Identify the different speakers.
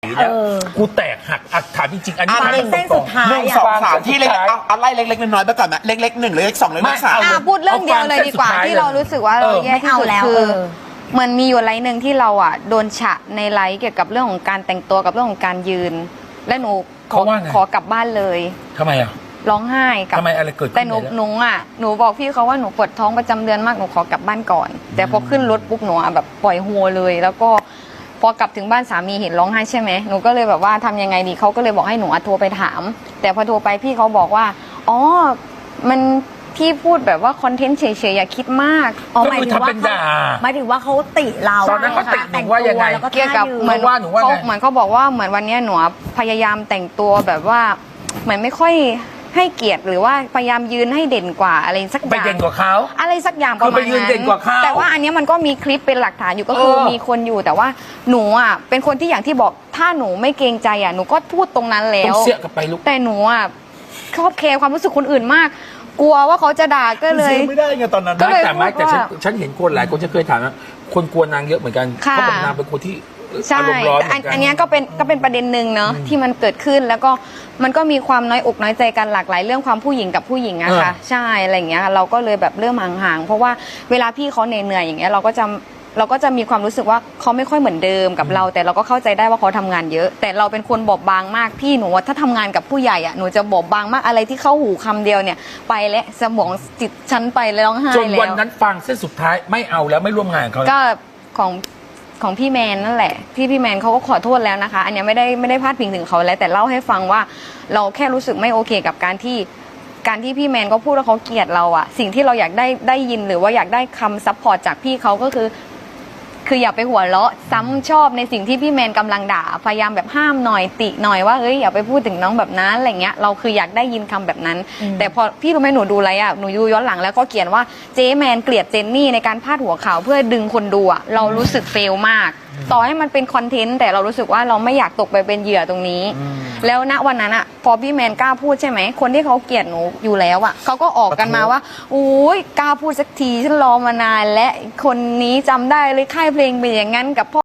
Speaker 1: กูแตกหักถามจริงๆอันนี้
Speaker 2: เป็นเส้นสุดท้าย
Speaker 3: 1 2 3ที่เล็กเอาไล่เล็กๆน้อยๆไปก่อนนะเล็กๆ1เล็ก2เล็กๆ3
Speaker 4: พูดเรื่องเดียวเลยดีกว่าที่เรารู้สึกว่าเราแย่ที่สุดคือเหมือนมีอยู่ไลน์หนึ่งที่เราโดนฉะในไลน์เกี่ยวกับเรื่องของการแต่งตัวกับเรื่องของการยืน และหนูขอกลับบ้านเลย
Speaker 1: ทำไมอ่ะ
Speaker 4: ร้องไห้กับ
Speaker 1: ทำไมอะไรเกิดขึ้น
Speaker 4: แต่หนูบอกพี่เขาว่าหนูปวดท้องประจำเดือนมากหนูขอกลับบ้านก่อน แต่พอขึ้นรถปุ๊บหนูแบบปล่อยหัวเลย แล้วก็พอกลับถึงบ้านสามีเห็นร้องไห้ใช่ไหมหนูก็เลยแบบว่าทำยังไงดีเขาก็เลยบอกให้หนูโทรไปถาม แต่พอโทรไปพี่เขาบอกว่าอ๋อมันพี่พูดแบบว่าคอนเทนต์เฉยๆอย่าคิดมาก
Speaker 1: หมายถึง
Speaker 2: ว่าเขาติเรา
Speaker 1: ตอนนั้นเขาติหนูว่ายังไง
Speaker 4: เกี่ยวกับเหมือนว่าหนูว่าเหมือนเขาบอกว่าเหมือนวันนี้หนูพยายามแต่งตัวแบบว่าเหมือนไม่ค่อยให้เกียรติหรือว่าพยายามยืนให้เด่นกว่าอะไรสักอย่าง
Speaker 1: ไปเด่นกว่าเขา
Speaker 4: อะไรสักอย่างประมาณนั้น
Speaker 1: คือไปยืนเด่นกว่าเขา
Speaker 4: แต่ว่าอันนี้มันก็มีคลิปเป็นหลักฐานอยู่ก็คือมีคนอยู่แต่ว่าหนูเป็นคนที่อย่างที่บอกถ้าหนูไม่เกรงใจหนูก็พูดตรงนั้นแล้ว
Speaker 1: ต้องเสียกับไปลูก
Speaker 4: แต่หนูชอบแคร์ความรู้สึกคนอื่นมากกลัวว่าเขาจะด่าก็เลย
Speaker 3: ไม่ได้ไงตอนนั้น
Speaker 1: แต่ฉันเห็นคนหลายคนจะเคยถามนะคนกลัวนางเยอะเหมือนกันเขาบอกนางเป็นคนที่
Speaker 4: อารมณ์ร้อนอันนี้ก็เป็นประเด็นหนึ่งเนาะที่มันเกิดขึ้นแล้วก็มันก็มีความน้อยอกน้อยใจกันหลากหลายเรื่องความผู้หญิงกับผู้หญิงอะค่ะใช่อะไรอย่างเงี้ยเราก็เลยแบบเริ่มห่างๆเพราะว่าเวลาพี่เขาเหนื่อยอย่างเงี้ยเราก็จะมีความรู้สึกว่าเขาไม่ค่อยเหมือนเดิมกับเราแต่เราก็เข้าใจได้ว่าเขาทำงานเยอะแต่เราเป็นคนบอบบางมากพี่หนูว่าถ้าทำงานกับผู้ใหญ่หนูจะบอบบางมากอะไรที่เข้าหูคำเดียวเนี่ยไปและสมองจิตฉันไปแล้วร้องไห้แล้ว
Speaker 1: จนวันนั้นฟังเส้นสุดท้ายไม่เอาแล้วไม่ร่วมงานเขา
Speaker 4: ก็ของพี่แมนนั่นแหละพี่แมนเขาก็ขอโทษแล้วนะคะอันนี้ไม่ได้พาดพิงถึงเขาแล้วแต่เล่าให้ฟังว่าเราแค่รู้สึกไม่โอเคกับการที่พี่แมนก็พูดว่าเขาเกลียดเราสิ่งที่เราอยากได้ยินหรือว่าอยากได้คำซัพพอร์ตจากพี่เขาก็คืออย่าไปหัวเราะซ้ำชอบในสิ่งที่พี่แมนกำลังด่าพยายามแบบห้ามหน่อยติหน่อยว่าเฮ้ยอย่าไปพูดถึงน้องแบบนั้นอะไรเงี้ยเราคืออยากได้ยินคำแบบนั้นแต่พอพี่รู้ไหมหนูดูอะไรหนูดูย้อนหลังแล้วก็เขียนว่าเจ๊แมนเกลียดเจนนี่ในการพาดหัวข่าวเพื่อดึงคนดูเรารู้สึกเฟลมากต่อให้มันเป็นคอนเทนต์แต่เรารู้สึกว่าเราไม่อยากตกไปเป็นเหยื่อตรงนี้แล้วณวันนั้นพอพี่แมนกล้าพูดใช่ไหมคนที่เขาเกลียดหนูอยู่แล้วเขาก็ออกกันมาว่าอุ้ยกล้าพูดสักทีฉันรอมานานและคนนี้จำได้เลยค่ายเพลงเป็นอย่างนั้นกับพ่อ